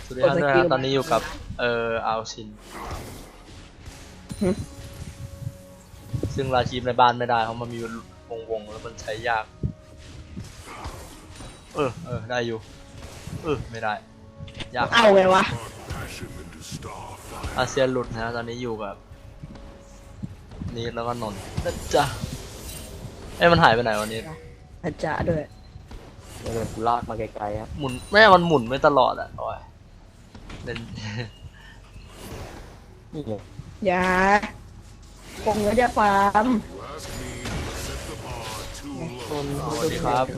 สวัสดีครับด้วยนะตอนนี้อยู่กับอาชินซึ่งราชีพในบ้านไม่ได้เพราะมันมีวงแล้วมันใช้ยากได้อยู่ไม่ได้ยากเอาไงวะอาเซียนหลุดนะตอนนี้อยู่กับนีดแล้วก็นนท์นะจ๊ะมันหายไปไหนวันนี้อาจารย์ด้วยเดี๋ยวกูลากมาไกลๆครับหมุนมันหมุนไม่ตลอดอ่ะโอ้ยเล่นนี่ไงอย่าผมก็จะฟาร์มสวัสดีครับ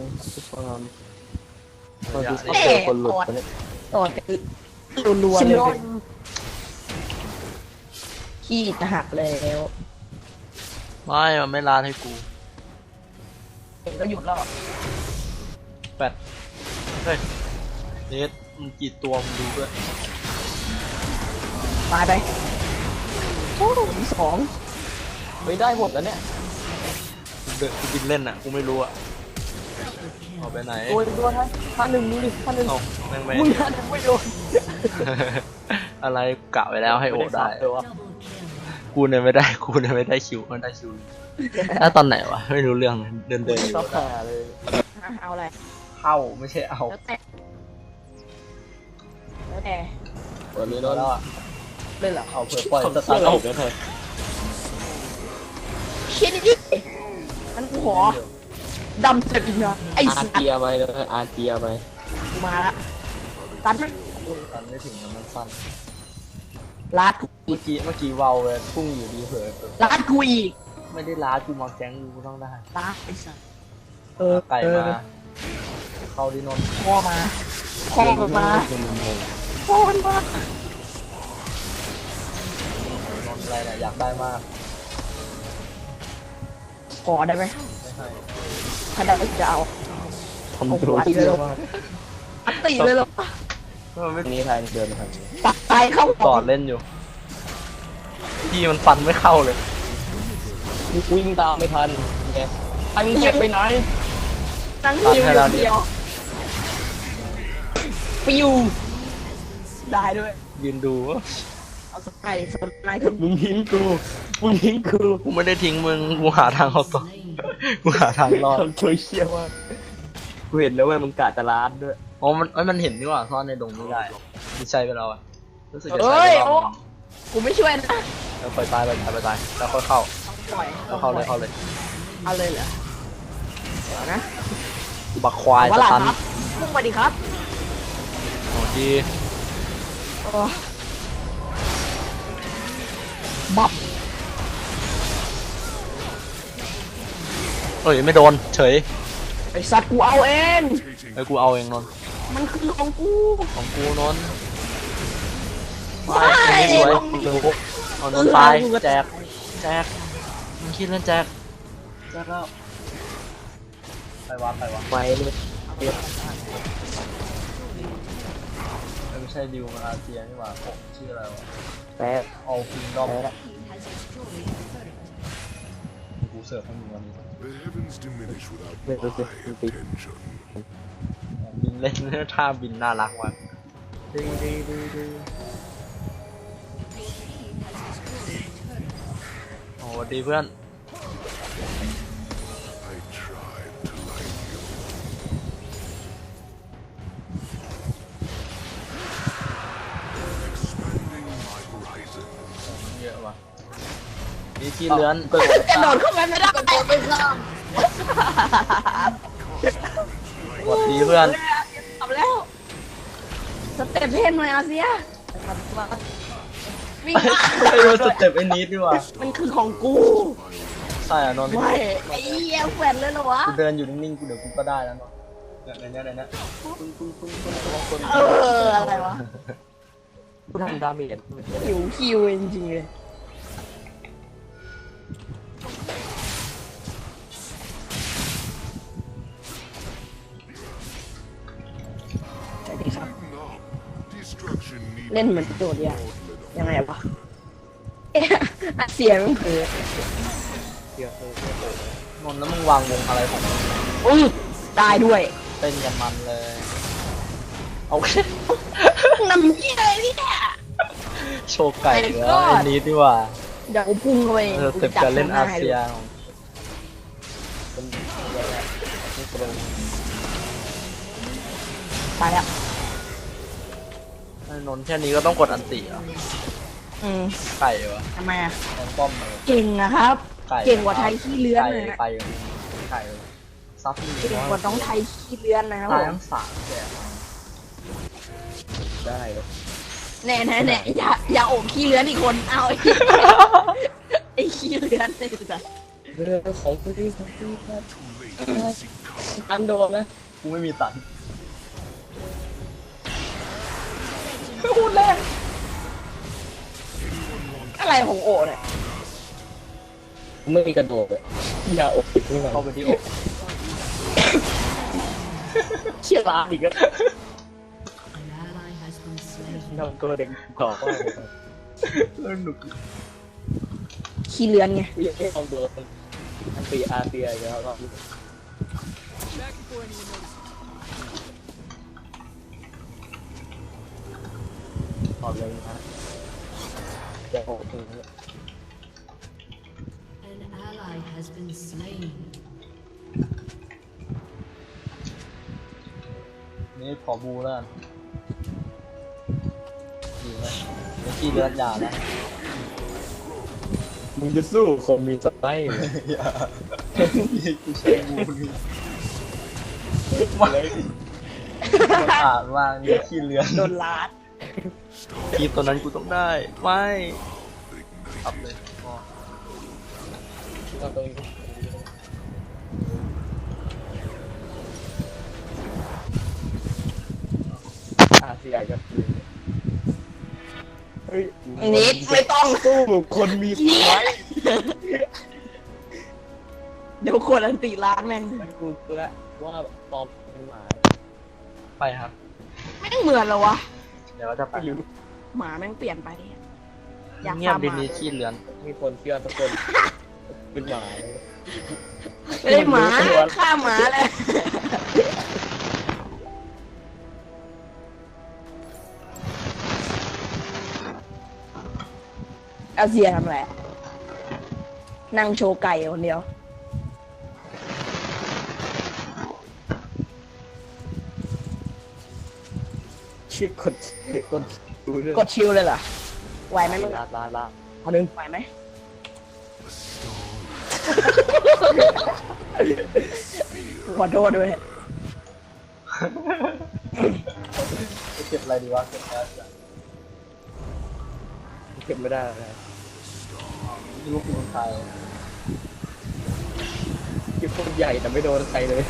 ตอนที่เจอคนหลุดไปเนี่ยต่อรัวๆเลยขี้จะหักแล้วมันไม่ลาดให้กูเห็นก็หยุดแล้วแปดเฮ้ยเนทมันกี่ตัวมึงดูด้วยตายไปโอ้มีสองไม่ได้หมดแล้วเนี่ยกูบินเล่นอ่ะกูไม่รู้อ่ะเอาไปไหนตัวท้ายท่าหนึ่งนี่ดิท่าหนึ่งเอาแม่งไม่มึงท่าหนึ่งไม่โดนอะไรกะไว้แล้วให้โอได้เลยวะกูเนี่ยไม่ได้คิวมันได้คิวแล้วตอนไหนวะไม่รู้เรื่องเดินต้องหาเลยเอาอะไรเข้าไม่ใช่เอาแล้วแต่แล้วแต่เปิดเลยแล้วเนาะเล่นหรอเอาเผื่อปล่อยสเสื้ตาอร์ทเราเอาเดี๋ยวเถอะคิดดิมันกูขอดำจะกินเหรอไอ้อาสัตเจียว์ไปเลยอาเจียไปมาละตัดมันตันไม่ถึงมันสั้นลาดกูเมื่อกี้เวาเลยพุ่งอยู่ดีเผลอลาดกูอีกไม่ได้ล้ากูมาแก๊งกูต้องได้ลาดไอ้สัตว์ไก่มาเข้าดินนท์พ่อมาพ่อมันมาพ่อมันมานนท์อะไรเนี่ยอยากได้มากขอได้ไหมไม่ให้ถ้าได้จะเอาทำตัวเยอะมากอัตติเลยเหรอมันไม่นี่ไทยเดินครับปักตายเข้าต่อเล่นอยู่พี่มันฟันไม่เข้าเลยวิ่งตามไม่ทันไงไอ้มึงเก็บไปไหนนั่งหิวอย่างเดียวปิวได้ด้วยยืนดูเอาสไปร์สไนค์ขึ้นมึงทิ้งกูกูไม่ได้ทิ้งมึงกูหาทางเอาต่อกูหาทางรอดทำตัวเชี่ยมากกูเห็นแล้วว่ามึงกะจะล้านด้วยอ๋อมันเห็นนี่หว่าซ่อนในดงไม่ได้มีใช้ไปแล้วอ่ะรู้สึกจะใช้เอ้ยไปรโอ้อบนึงกูไม่ช่วยนะแล้วปล่อยตายแล้วค่อยเข้าปล่อยแล้วเข้าเลยเอาเลยเหรอเดี๋ยวนะบักควายว่าสล่ะตันครับพุ่งไปดิครับโอ้ดีโอ้บับเอ้ยไม่โดนเฉยไอสัตว์กูเอาเองไอ้กูเอาเองนนท์มันคือของกูของกูนนท์ไม่ไม่สวยเอานนท์ตายแจกมึงคิดเล่นแจกแล้วไปวะไปเลยไม่ใช่ดิวมาอาเซียนี่หว่าผมชื่ออะไรวะแป๊บเอาคิงดอมแป๊บกูเสิร์ฟให้มึงวันนี้ The heavens diminish without ไม่รู้สึก my ติด attention. บินเล่นท่าบินน่ารักว่ะโอ้สวัสดีเพื่อน I tried to like you. Expanding my horizon. เยอะว่ะนี่ที่เลื้อนกระโดดเข้าไปไม่ได้กระโดดไปข้ามสวัสดีเพื่อนทำแล้วสเต็ปเพ่นหน่อยอาเซียวิ่งไอ้รู้สเต็ปไอ้นิดดีกว่ามันคือของกูใช่อ่ะนนท์ไม่ไอ้เหี้ยแขวนเลยเหรอวะกูเดินอยู่นิ่งๆกูเดี๋ยวกูก็ได้แล้วนนท์ในเนี้ยอะไรวะกูทำดาเมจคิวจริงๆเลยสวัสดีครับ Destruction needs เล่นเหมือนโดดเนี่ยยังไงวะเอ๊ะเสียงมันเผือนนท์แล้วมึงวางวงอะไรของมึงได้ด้วยเต้นกันมันเลยเอานำเหี้ยอะไรพี่เนี่ยโชว์ไก่เหรอ My God อันนี้ดีกว่าเดี๋ยวกูพุ่งเข้าไปเต็มการเล่นอาเซียนเป็นอะไรนี่กระโดดตายแล้วไอ้นนท์แค่นี้ก็ต้องกดอันติเหรออืมไก่วะทำไมอ่ะแทงป้อมเลยเก่งนะครับไก่เก่งกว่าไทยขี้เลื้อนไก่เลยนะไก่ไก่ซับนี่เก่งกว่าน้องไทยขี้เลื้อนนะครับตายผมทั้งสามแกได้เลยแน่อย่าโอบขี้เลื้อนอีกคนเอาไอ้ ไอ้ขี้เลื้อนเลยจ้ะเรื่องของพี่ครับอันโดนนะกูไม่มีตันอะไรของโอเนี่ยไม่มีกระโดดเลยอย่าอกติดนี่มันเข้าไปที่อกเชี่ยลาอีกแล้ว An ally has been slain. ทำตัวเด็กต่อว่าเรื่องหนุกขี้เลื้อนไงยังไม่ลองดูอันตีอาเซียอีกแล้วก็ตอบเลยนะจะโอ้โห An ally has been slain. นี่ขอบูแล้วกันดีไหมเมื่อกี้เลือดยาแล้วมึงจะสู้คนมีสไตล์เหรอกูใช้บูนี่มันอาจว่ามีขี้เลือนโดนลาดคีบตัวนั้นกูต้องได้ไม่ขับเลยอ๋อเอาตรงนี้อาเซียก็เฮ้ยนิดไม่ต้องสู้คนมีสไตล์เดี๋ยวคนอันติล้านแม่งมันกูรู้แล้วว่าปอมเป็นหมาไปครับแม่งเหมือนเหรอวะเดี๋ยวเราจะไปไม่รู้หมาแม่งเปลี่ยนไปเนี่ยอยากเงียบฟาร์มหดีมานี้ขี้เลือนมีคนเชื่อทุกคนเป็นหมาเลยไม่ได้หมาฆ่าหมาเลยอาเซียทำอะไรนั่งโชว์ไก่คนเดียวชื่อคนดูเรื่องกดชิลเลยเหรอไหวไหมมึงลาเอาหนึ่งไหวไหม ขอโทษด้วยจะเก็บอะไรดีวะเก็บแอสเก็บไม่ได้เลยลูกคุณไทยเก็บคนใหญ่แต่ไม่โดนใครเลย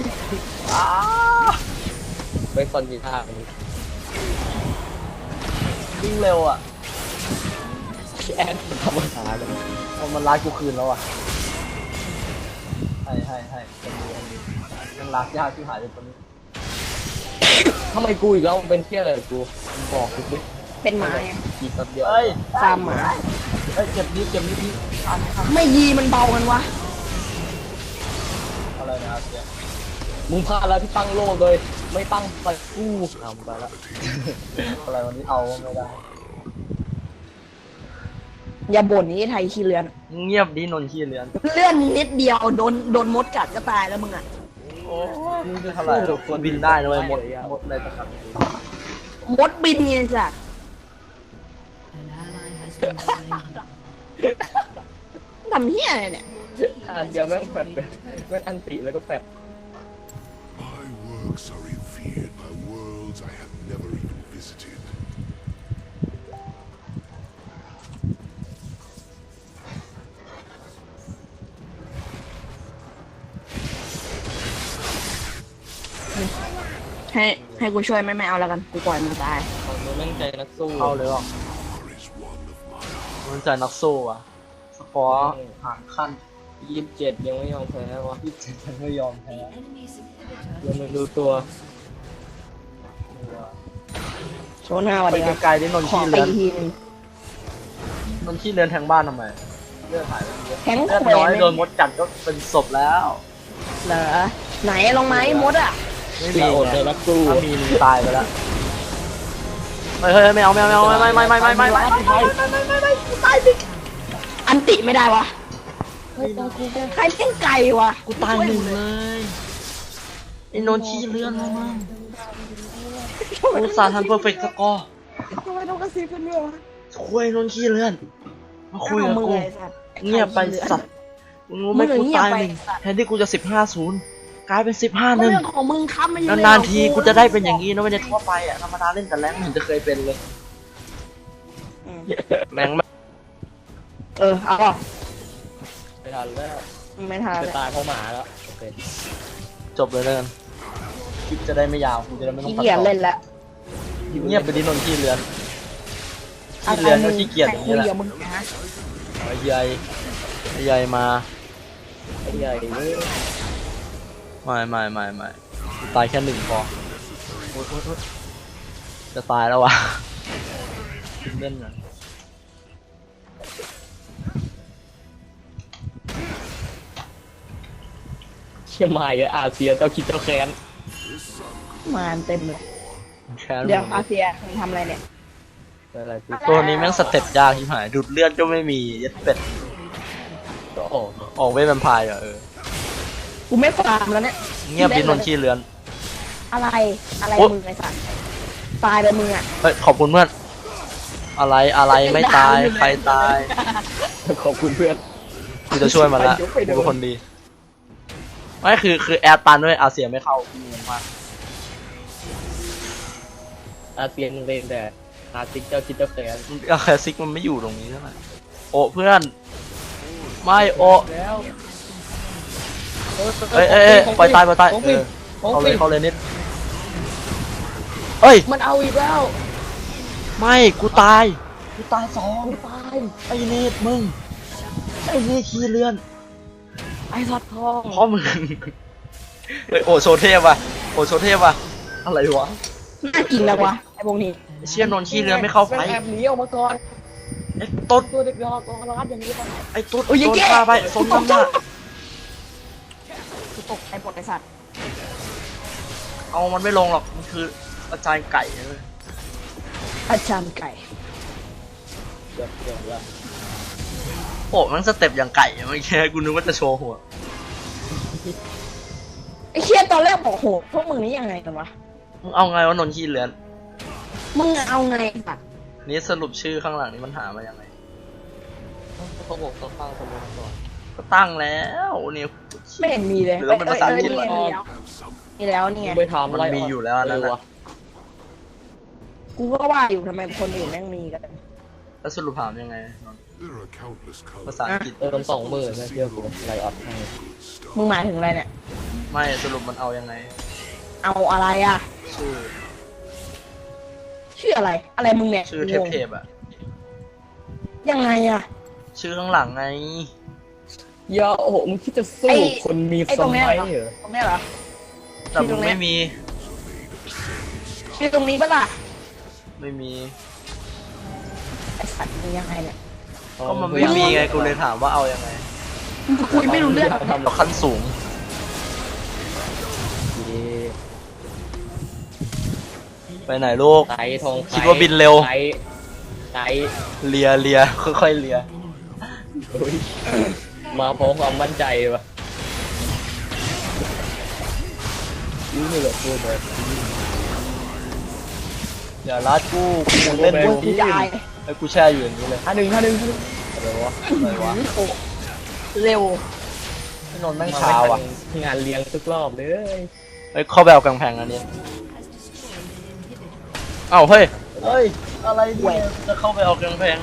ไม่คอนมีท่าวิ่งเร็วอ่ะแอนธรรมดาเลยเอามันรัดกูคืนแล้วอ่ะให้คนดูยังรักยากที่หายเลยตอนนี้ทำไมกูอีกแล้วเป็นเที่ยอะไรกูบอกกูดิเป็นหมาไงกี่สัปเดียวเฮ้ยฟาร์มหมาเฮ้ยเก็บนิดทันไหมครับไม่ยีมันเบากันวะอะไรนะอาเซียมึงพลาดแล้วที่ตั้งโลกเลย ไม่ตั้งไปกูทำไปแล้วอะไรวันนี้เอาไม่ได้อย่าบ่นนี้ไทยขี้เลือนเงียบดีนนท์ขี้เลือนเลื่อนนิดเดียวโดนมดกัดก็ตายแล้วมึงอ่ะโอ้มึงจะเท่าไหร่คนบินได้นะเลยหมดเลยนะครับมดบินไงจ้ะ An ally has been slain. ทำเหี้ยอะไรเนี่ยเดี๋ยวแม่งแฟดเป็นแม่งอันติแล้วก็แฟด My works are revered by worlds I have never even visited. ให้กูช่วยไม่เอาแล้วกัน กูปล่อยมันตายของมึงแม่งใจนักสู้เข้าเลยหรอ War is one of my มันใจนักสู้อ่ะสกอร์ห่างขั้น 27ยังไม่ยอมแพ้วะ 27ฉันไม่ยอมแพ้ Enemy's inhibitor ยังไม่รู้ตัวโชว์หน้าวันไปนี้ไกลๆดินนท์ขอขี้ตีเลือนทีนึงนนท์ขี้เลือนแทงบ้านทำไมเลือดหายไปเยอะแทงเลือดแขวน้อยนโดนมดกัดก็เป็นศพแล้วเหรอไหนลงไหมมดอ่ะไม่มีอย่าอดไงเลยนะกูถ้ามีมึงตายไปแล้วเฮ้ยไม่เอาไม่ตายดิอันติไม่ได้วะใครเล่นไก่วะกูตายหนึ่งเลยไอ้นนท์ขี้เลื่อนแล้วมั้งกูสาทันเพอร์เฟกต์สกอร์ทำไมต้องกระซิบกันด้วยวะคุยนนท์ขี้เลื่อนมาคุยกับมึงกูไอ้สัตว์เงียบไปสัตว์มึงรู้ไหมกูตายหนึ่งแทนที่กูจะ15-0กลายเป็น15-1 เรื่องของมึงครับมันยังนานๆทีกูจะได้เป็นอย่างนี้นะไม่ได้ทั่วไปอ่ะธรรมดาเล่นแต่แรงมันจะเคยเป็นเลยแรงมากเอาป่ะไม่ทันแล้วไม่ทันจะตายเพราะหมาแล้วโอเคจบเลยแล้วกันคลิปจะได้ไม่ยาวกูจะได้ไม่ต้องขี้ตัดเกียจต่อเล่นแล้วเงียบไปดินนท์ขี้เลือนขี้เลือนก็ขี้เกียจอย่างนี้แหละใครคุยกับมึงนะไอ้ใหญ่มาไอ้ใหญ่เว้ยไม่ตายแค่หนึ่งพอโอ๊ยจะตายแล้ววะเล่นหน่อยเชี่ยมาเยอะอาเซียนเจ้าคิดเจ้าแค้นมาเต็มเลยแค่เดี๋ยวอาเซียมึงทำอะไรเนี่ยอะไรที่ตัวนี้แม่งสเต็ปยากที่หายดูดเลือดก็ไม่มียัดเป็ดก็ออกออกเวทแวมไพร์เหรอกูไม่ฟาร์มแล้วเนี่ยเงียบดินนท์ขี้เลือนอะไรโอ๊ยมึงไอ้สัตว์ตายไปมึงอ่ะเฮ้ยขอบคุณเพื่อนอะไรไม่ตายใครตายขอบคุณเพื่อนกูจะช่วยมันละไปดูกูเป็นคนดีไม่คือแอร์ตันด้วยอาเซียไม่เข้างงมากอาเซียนมึงเล่นแต่อาซิกเจ้าคิดเจ้าแค้นคลาสสิกมันไม่อยู่ตรงนี้เท่าไหร่โอ้เพื่อน ไม่โอ้แล้วเอ้ยปล่อยตายของฟินของเข้าเลฟิยนเข้าเลยนิดเอ้ยมันเอาอีกแล้วไม่กูตายสองตายไอ้เนตมึงไอ้เนตขี้เลื่อนไอ้สัตว์ทองเพราะมึงเฮ้ยโอโชเทพว่ะอะไรวะน่ากินแล้ววะไอ้พวกนี้ไอ้เชี่ยนนท์ขี้เลื่อนไม่เข้าไฟแอบหนีออกมาก่อนไอ้ตุ๊ดตัวเด็กรอกองรัดอย่างนี้ป่ะไอ้ตุ๊ดโดนฆ่าไปสมน้ำหน้ากูตกใจหมดไอ้สัตว์เอามันไม่ลงหรอกมันคืออาจารย์ไก่เลยอาจารย์ไก่เกือบละโอ้มันสเต็ปอย่างไก่อะเมื่อกี้กูนึกว่าจะโชว์หัวไอ้เชี่ยตอนแรกบอกโหพวกมึงนี่ยังไงกันวะมึงเอาไงวะนนท์ขี้เลือนมึงเอาไงไอ้สัตว์นี่สรุปชื่อข้างหลังนี่มันหามายังไงเขาบอกต้องฟังสมองก่อนก็ตั้งแล้วเนี่ยไม่เห็นมีเลยหรือว่าเป็นภาษาอังกฤษเมีแล้วมีแล้วนี่ไงไปทำมันอะไรมีอยู่แล้วอันนั้นวะนะกูก็ว่าอยู่ทำไมคนอื่นแม่งมีกันแล้วสรุปถามยังไง There are countless ภา colors. ษาอังกฤษ 20,000นะเชื่อกูไลออดให้มึงหมายถึงอะไรเนี่ยไม่สรุปมันเอายังไงเอาอะไรอ่ะชื่อชื่ออะไร อะไรมึงเนี่ยชื่อเทพอะยังไงอ่ะชื่อข้างหลังไงอย่าโอ้โหมึงคิดจะสู้ไอ้คนมีไอ้สตรงเนี้ยมัยเหรอเหรอตรงเนี้ยเหรอแต่มึงไม่มีชื่อตรงนี้ปะล่ะไม่มีไอสัตว์มึงยังไงเนี่ยก็มันไม่มีไงกูเลยถามว่าเอายังไงมึงคุยไม่รู้เรื่องเราขั้นสูง ไปไหนลูกไก่ทองคิดว่าบินเร็วไก่เลียค่อยๆเลียอุ๊ยมาพร้อมความมั่นใจวะนี่เหลือพูดเลยอย่าลัดกูเล่นโอ้กูยกูจะอายไอ้กูแช่อยู่อย่างนี้เลยท่าหนึ่งอะไรวะอะไรวะโอ้เร็วไอ้นนท์แม่งช้าว่ะงานเลี้ยงทุกรอบเลยไอ้เข้าไปเอากำแพงอันนี้เอ้าเฮ้ยอะไรเนี่ยจะเข้าไปเอากำแพง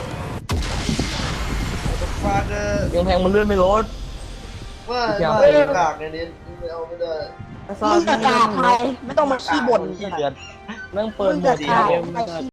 ฟาเกอร์ยังแพงมันเลื่อนไม่ลดว่าอย่ากากในนี้ไม่เอาไม่ได้มึงจะกล้าใครไม่ต้องมาขี้บ่นขี้เดือนนั่งเปิดมึงหมจะดกล้าเกมใคร